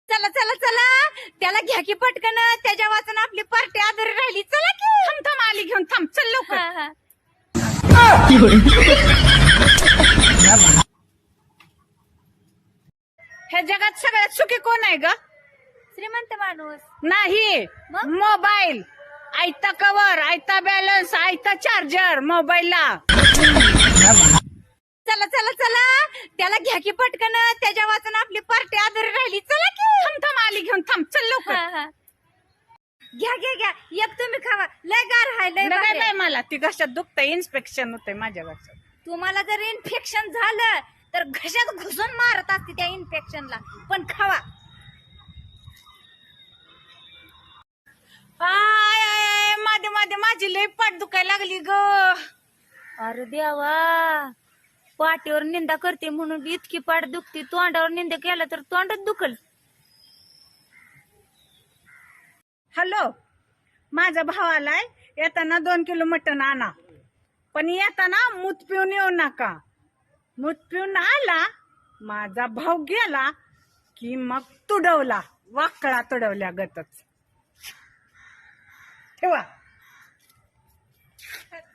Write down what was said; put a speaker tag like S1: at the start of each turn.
S1: चला चला चला त्याला घ्या की पटकन, त्याच्या वाचून आपली पार्टी आधारी राहिली. चला की.
S2: थांब थांब आली घेऊन थांब चल लवकर.
S1: हा, हा.
S2: ह्या जगात सगळ्यात सुखी कोण आहे ग?
S1: श्रीमंत माणूस.
S2: नाही,
S1: मग?
S2: मोबाईल. आयता कवर, आयता बॅलन्स, आयता चार्जर मोबाईलला.
S1: चला चला चला त्याला घ्या की पटकन, त्याच्या वाचून आपली पार्टी आधारी राहिली. चला की.
S2: थांब थांब आली घेऊन थांब चल लवकर.
S1: हा, हा. घ्या घ्या घ्या, एक तुम्ही खावा. लय गार हाय, लय
S2: नका
S1: भारी
S2: बाई
S1: आहे.
S2: मला ती घशात दुखतंय, इन्स्पेक्शन होतंय माझ्या घशात.
S1: तुम्हाला जर इन्फेक्शन झालं तर घशात घुसून मारत असते त्या इन्फेक्शनला, पण खावा.
S2: आय आय मध्ये मध्ये माझी लई पाठ दुखायला लागली ग.
S1: अरे देवा, पाठीवर निंदा करते म्हणून इतकी पाठ दुखते, तोंडावर निंदा केला तर तोंडात दुखल.
S2: हॅलो, माझा भाव आलाय, येताना 2 किलो मटण आणा, पण येताना मूत पिऊन येऊ नका. मूत पिऊन आला माझा भाव गेला की मग तुडवला, वाकळा तुडवल्या गतच. ठेवा.